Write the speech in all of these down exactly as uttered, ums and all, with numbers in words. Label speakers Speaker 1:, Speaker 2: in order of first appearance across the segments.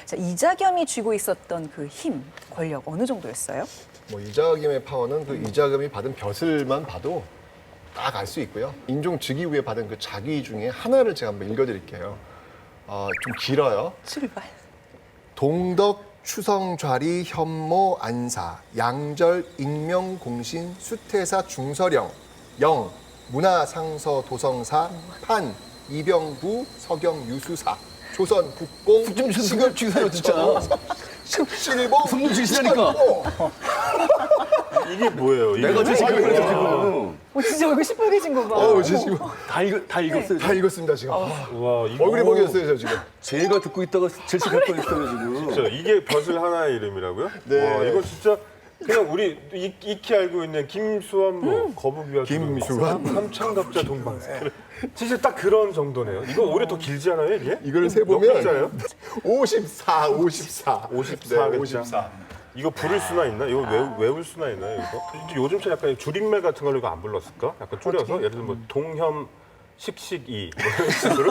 Speaker 1: 자, 이자겸이 쥐고 있었던 그 힘, 권력 어느 정도였어요?
Speaker 2: 뭐 이자겸의 파워는 그 이자겸이 받은 벼슬만 봐도 딱 알 수 있고요. 인종 즉위 후에 받은 그 자기 중에 하나를 제가 한번 읽어드릴게요. 어, 좀 길어요.
Speaker 1: 출발.
Speaker 2: 동덕 추성좌리 현모 안사 양절 익명 공신 수태사 중서령 영 문화상서 도성사 판 이병부 서경 유수사 조선 국공
Speaker 3: 좀 지금 주세요 진짜.
Speaker 2: 십실보
Speaker 3: 손좀 주시라니까.
Speaker 4: 이게 뭐예요? 이게
Speaker 3: 내가 지금
Speaker 2: 아이고.
Speaker 3: 그래서 지금
Speaker 1: 어, 진짜 얼굴 시뻘개진 거 봐.
Speaker 2: 어우 저 지금
Speaker 3: 다 읽, 다 읽었어요.
Speaker 2: 다 읽었습니다 지금. 아,
Speaker 4: 와, 이거
Speaker 2: 얼굴이 먹였어요 저 지금.
Speaker 3: 제가 듣고 있다가 질식할 뻔했어요 지금.
Speaker 4: 진짜 이게 벼슬 하나의 이름이라고요?
Speaker 2: 네.
Speaker 4: 와, 이거 진짜 그냥 우리 익, 익히 알고 있는 김수환 뭐 거북이와
Speaker 2: 김수환.
Speaker 4: 삼천갑자 동방새. 진짜 딱 그런 정도네요. 이거 오히려 더 길지 않아요, 이게?
Speaker 2: 이걸 세
Speaker 4: 몇 글자예요?
Speaker 2: 보면 오십사, 오십사.
Speaker 4: 오십사
Speaker 2: 네,
Speaker 4: 글자.
Speaker 2: 오십사.
Speaker 4: 이거 부를 수나 있나? 이거 외우, 외울 수나 있나요, 이거? 이제 요즘처럼 약간 줄임말 같은 걸로 이거 안 불렀을까? 약간 줄여서 예를 들면 뭐 동혐 식식이 뭐 이런 식으로.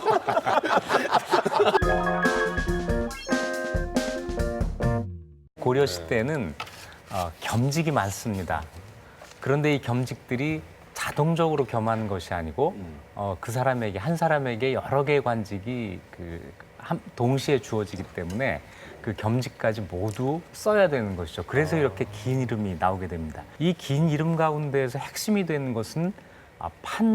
Speaker 5: 고려 시대는 어, 겸직이 많습니다. 그런데 이 겸직들이 자동적으로 겸하는 것이 아니고 어, 그 사람에게 한 사람에게 여러 개의 관직이 그 한, 동시에 주어지기 때문에 그 겸직까지 모두 써야 되는 것이죠. 그래서 이렇게 긴 이름이 나오게 됩니다. 이 긴 이름 가운데에서 핵심이 되는 것은 아,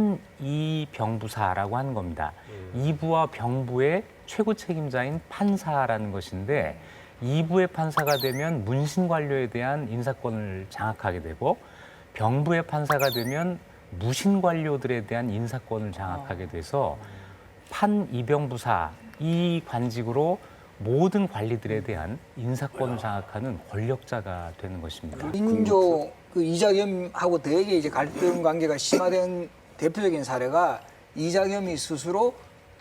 Speaker 5: 판이병부사라고 하는 겁니다. 이부와 병부의 최고 책임자인 판사라는 것인데 이부의 판사가 되면 문신관료에 대한 인사권을 장악하게 되고 병부의 판사가 되면 무신관료들에 대한 인사권을 장악하게 돼서 판이병부사 이 관직으로 모든 관리들에 대한 인사권을 장악하는 권력자가 되는 것입니다.
Speaker 6: 인조 그 이자겸하고 되게 이제 갈등 관계가 심화된 대표적인 사례가 이자겸이 스스로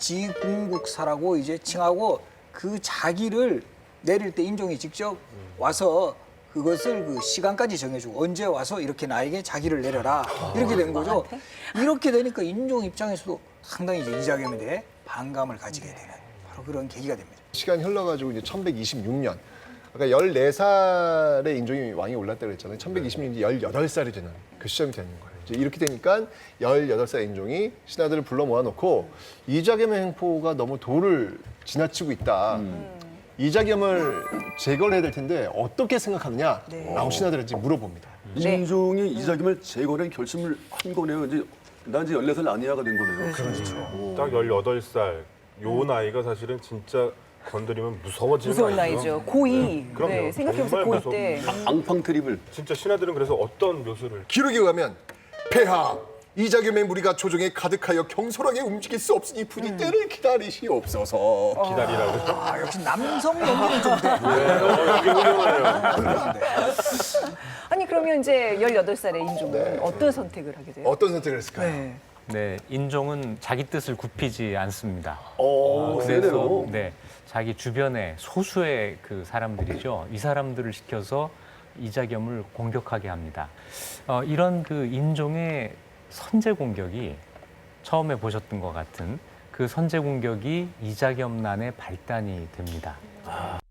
Speaker 6: 지궁국사라고 이제 칭하고 그 자기를 내릴 때 인종이 직접 와서 그것을 그 시간까지 정해주고 언제 와서 이렇게 나에게 자기를 내려라 이렇게 된 거죠. 이렇게 되니까 인종 입장에서도 상당히 이제 이자겸에 대해 반감을 가지게 되는 바로 그런 계기가 됩니다.
Speaker 2: 시간이 흘러가지고 이제 천백이십육 년. 아까 열네 살의 인종이 왕이 올랐다고 그랬잖아요. 천백이십육 년이 열여덟 살이 되는 그 시점이 되는 거예요. 이제 이렇게 되니까 열여덟 살 인종이 신하들을 불러 모아놓고 이자겸의 행포가 너무 도를 지나치고 있다. 음. 이자겸을 제거를 해야 될 텐데 어떻게 생각하느냐
Speaker 1: 네.
Speaker 2: 라고 신하들한테 물어봅니다.
Speaker 3: 인종이 이자겸을 제거하는 결심을 한 거네요. 이제 난 이제 열네 살 아니야가 된 거네요.
Speaker 2: 그렇죠.
Speaker 4: 딱 열여덟 살. 요 나이가 사실은 진짜 건드리면 무서워지는
Speaker 1: 무서운
Speaker 4: 나이죠.
Speaker 1: 나이죠. 고이.
Speaker 4: 그럼요.
Speaker 1: 네, 생각해보세요.
Speaker 4: 정말
Speaker 1: 고이 때.
Speaker 3: 앙팡 트립을.
Speaker 4: 진짜 신하들은 그래서 어떤 묘수를
Speaker 2: 기록에 의하면 폐하 이자겸의 무리가 조정에 가득하여 경솔하게 움직일 수 없으니 부디 때를 기다리시옵소서.
Speaker 4: 기다리라고.
Speaker 6: 아, 역시 남성 연기는 좀 돼.
Speaker 4: 네, 이게 훌륭하네요.
Speaker 1: 아니 그러면 이제 열여덟 살의 인종은
Speaker 2: 네.
Speaker 1: 어떤 선택을 하게 돼요?
Speaker 2: 어떤 선택을 했을까요?
Speaker 1: 네.
Speaker 5: 네, 인종은 자기 뜻을 굽히지 않습니다.
Speaker 3: 어,
Speaker 5: 그래서
Speaker 3: 세네요.
Speaker 5: 네, 자기 주변에 소수의 그 사람들이죠. 이 사람들을 시켜서 이자겸을 공격하게 합니다. 어, 이런 그 인종의 선제 공격이 처음에 보셨던 것 같은 그 선제 공격이 이자겸난의 발단이 됩니다.